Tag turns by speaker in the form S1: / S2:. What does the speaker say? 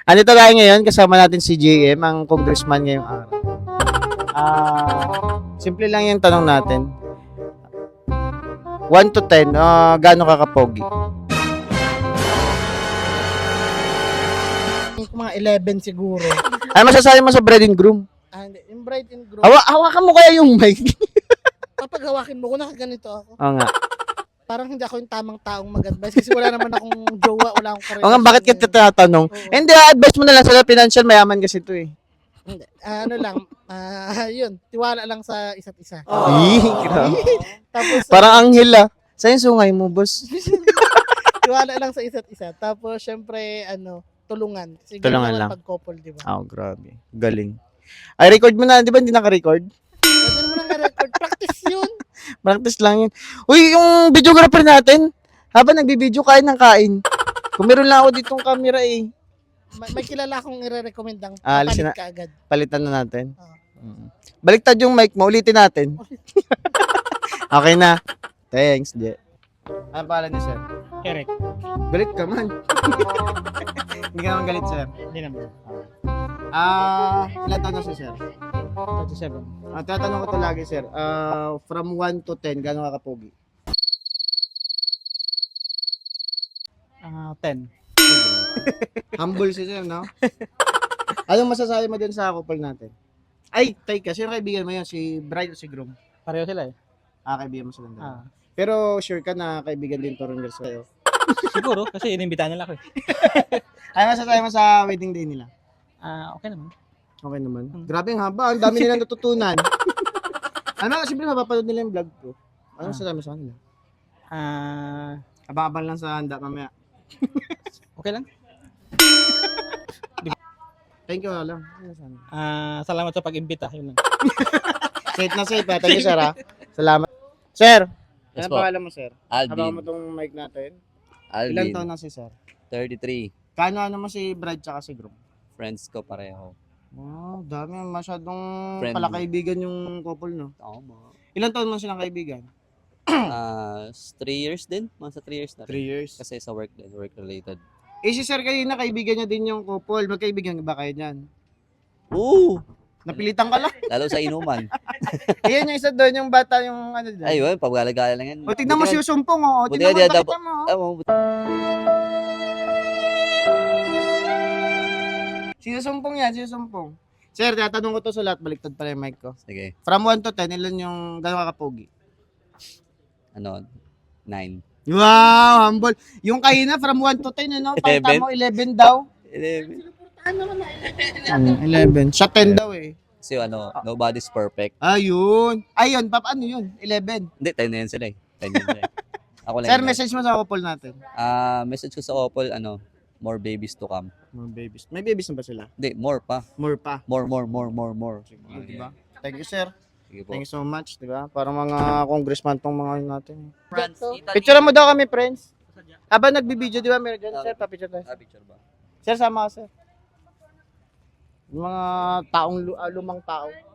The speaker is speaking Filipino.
S1: Andito tayo ngayon, kasama natin si JM, ang congressman ngayong araw. Simple lang yung tanong natin. 1 to 10, gaano ka kapogi?
S2: Mga 11 siguro.
S1: Ano masasabi mo sa bride and groom?
S2: Hindi. Yung bride and groom,
S1: Hawakan mo kaya yung mic.
S2: kapag hawakin mo, kung nakaganito ako,
S1: Oo nga.
S2: parang hindi ako yung tamang taong mag-advise kasi wala naman akong jowa, wala akong karelasyon.
S1: Oo nga, bakit kita tinatanong?
S2: Oo.
S1: Hindi, advice mo na lang sila, financial mayaman kasi ito eh.
S2: Hindi. Ano lang, yun, tiwala lang sa isa't isa.
S1: Grabe.
S2: Tapos,
S1: Parang anghel Saan yung sungay mo, boss?
S2: tiwala lang sa isa't isa. Tapos, syempre, tulungan. Kasi
S1: Tulungan
S2: ganun
S1: lang.
S2: naman pag couple, di ba?
S1: Grabe. Galing. Ay, record mo na, di ba hindi naka-record?
S2: Pwede mo nang record. Practice yun.
S1: Practice lang yun. Uy, yung videographer natin, habang nagbibideo, kain ng kain. Kung meron lang ako ditong camera eh.
S2: May kilala akong i-recommend ang
S1: Alisin
S2: papalit ka agad.
S1: Palitan na natin.
S2: Oo.
S1: Baliktad yung mic mo, ulitin natin. Okay na. Thanks, Je. Ano pangalan niya, sir?
S2: Eric.
S1: Galit ka man. Hindi ka naman galit, sir.
S2: Hindi naman.
S1: Ilan taon na siya, sir?
S2: 37.
S1: Tatanong ko to lagi, sir. From 1 to 10, gano'ng kakapogi?
S2: 10.
S1: Humble si sir, no? Anong masasabi mo din sa couple natin? Ay, teka, sino kaibigan mo yun? Si bride o si groom?
S2: Pareho sila eh.
S1: Kaibigan mo silang dalawa. Pero sure ka na kaibigan din to rin sa'yo?
S2: Siguro, kasi inimbitahan nila ako eh.
S1: Ano masasabi mo sa wedding day nila?
S2: Okay naman.
S1: Okay naman. Grabe ang haba. Ang dami nilang natutunan. Siyempre mapapanood nila yung vlog ko. Ano masasabi mo sa kanila? Abang-abang lang sa handa mamaya.
S2: Okay lang.
S1: Thank you, lang.
S2: Salamat sa pag-imbita. Yun lang.
S1: Safe na safe. Thank you, sir. Salamat. Sir,
S3: Yes
S1: anong
S3: po.
S1: pangalan mo, sir? Habang mo
S3: Alvin.
S1: tong mic natin. Ilan
S3: Alvin.
S1: taon na si sir?
S3: 33.
S1: Kano mo si bride tsaka si groom?
S3: Friends ko pareho.
S1: Wow, dami. Masyadong
S3: Friendly.
S1: palakaibigan yung couple, no?
S3: Tama.
S1: Ilan taon mo silang kaibigan?
S3: 3 years din. Mga sa 3 years na
S1: 3
S3: rin.
S1: years.
S3: Kasi sa work din. Work related.
S1: Si sir kanina, kaibigan niya din yung couple. Magkaibigan ba kayo dyan?
S3: Oo!
S1: Napilitan ka lang.
S3: Lalo sa inuman.
S1: Ayan yung isa doon, yung bata, yung ano dyan.
S3: Ayun, pagwala-gala lang yan.
S1: O, tignan mo si Sumpong, o.
S3: Buti
S1: Tignan mo,
S3: nga di
S1: pakita mo. Si Sumpong yan, si Sumpong. Sir, tatanong ko to sa lahat. Baliktad pala yung mic ko.
S3: Sige.
S1: From 1 to 10, ilan yung gano'ng kakapogi?
S3: 9.
S1: Wow, humble. Yung kanina, from 1 to 10, ano? Pakita
S3: 11?
S1: mo, 11 daw.
S3: 11.
S1: 11. Siya 10 daw eh.
S3: Kasi nobody's perfect.
S1: Ayun. Ayun, paano yun? 11.
S3: Hindi, 10 na yan sila eh. 10 yan sila eh. Ako lang
S1: Sir,
S3: yun.
S1: message mo sa couple natin.
S3: Message ko sa couple, more babies to come.
S1: More babies. May babies na ba sila?
S3: Hindi, more pa.
S1: More pa.
S3: More.
S1: Diba? Thank you, sir.
S3: Sige po.
S1: Thank you so much, diba? Parang mga congressman tong mga natin.
S3: France,
S1: Picture mo daw kami, friends. Habang nagbibideo, di ba? Meron dyan, sir, papicture tayo.
S3: Picture ba?
S1: Sir, sama ka, sir. Yung mga taong, lumang tao.